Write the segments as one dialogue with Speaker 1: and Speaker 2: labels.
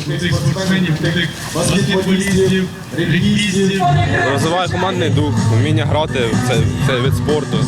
Speaker 1: крутих спортсменів, крутих баскетболістів, регбістів.
Speaker 2: Розвиває командний дух, вміння грати в цей вид спорту.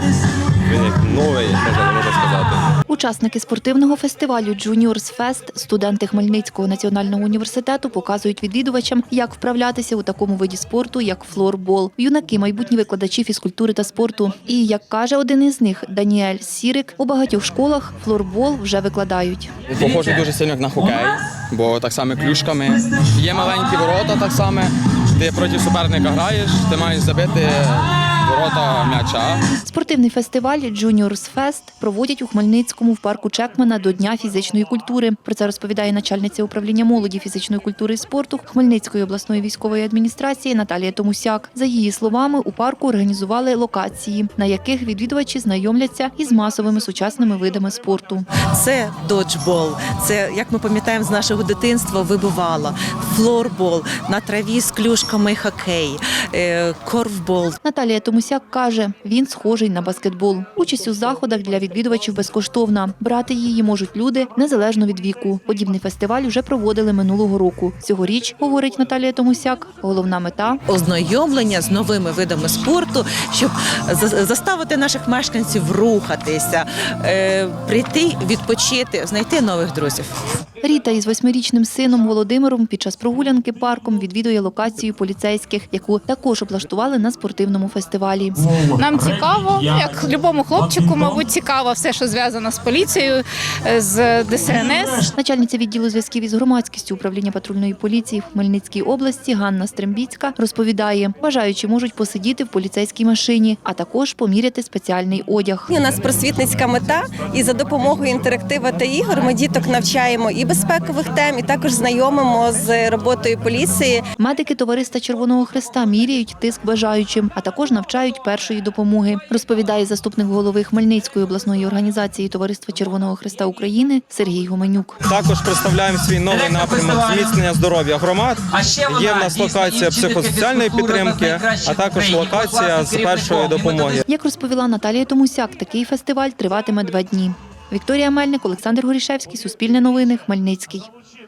Speaker 2: Він як новий, можна сказати.
Speaker 3: Учасники спортивного фестивалю «Juniors Fest», студенти Хмельницького національного університету, показують відвідувачам, як вправлятися у такому виді спорту, як флорбол. Юнаки – майбутні викладачі фізкультури та спорту. І, як каже один із них, Даніель Сірик, у багатьох школах флорбол вже викладають.
Speaker 4: Похоже дуже сильно як на хокей, бо так само клюшками. Є маленькі ворота так само, ти проти суперника граєш, ти маєш забити ворота м'яча.
Speaker 3: Спортивний фестиваль «Juniors Fest» проводять у Хмельницькому в парку Чекмана до Дня фізичної культури. Про це розповідає начальниця управління молоді, фізичної культури і спорту Хмельницької обласної військової адміністрації Наталія Томусяк. За її словами, у парку організували локації, на яких відвідувачі знайомляться із масовими сучасними видами спорту.
Speaker 5: Це доджбол, це, як ми пам'ятаємо з нашого дитинства, вибивало, флорбол, на траві з клюшками хокей, корфбол.
Speaker 3: Наталія Томусяк каже, він схожий на баскетбол. Участь у заходах для відвідувачів безкоштовна. Брати її можуть люди незалежно від віку. Подібний фестиваль вже проводили минулого року. Цьогоріч, говорить Наталія Томусяк, головна мета –
Speaker 5: ознайомлення з новими видами спорту, щоб заставити наших мешканців рухатися, прийти, відпочити, знайти нових друзів.
Speaker 3: Ріта із 8-річним сином Володимиром під час прогулянки парком відвідує локацію поліцейських, яку також облаштували на спортивному фестивалі.
Speaker 6: Нам цікаво, як любому хлопчику, мабуть, цікаво все, що зв'язано з поліцією, з ДСНС.
Speaker 3: Начальниця відділу зв'язків із громадськістю управління патрульної поліції в Хмельницькій області Ганна Стрембіцька розповідає, бажаючі можуть посидіти в поліцейській машині, а також поміряти спеціальний одяг.
Speaker 7: У нас просвітницька мета, і за допомогою інтерактиву та ігор ми діток навчаємо і безпекових тем, і також знайомимо з роботою поліції.
Speaker 3: Медики Товариства Червоного Хреста міряють тиск бажаючим, а також навчають першої допомоги, розповідає заступник голови Хмельницької обласної організації Товариства Червоного Хреста України Сергій Гуменюк.
Speaker 2: Також представляємо свій новий напрямок зміцнення здоров'я громад. Є в нас локація психосоціальної підтримки, а також локація з першої допомоги.
Speaker 3: Як розповіла Наталія Томусяк, такий фестиваль триватиме 2 дні. Вікторія Мельник, Олександр Горішевський, Суспільне новини, Хмельницький.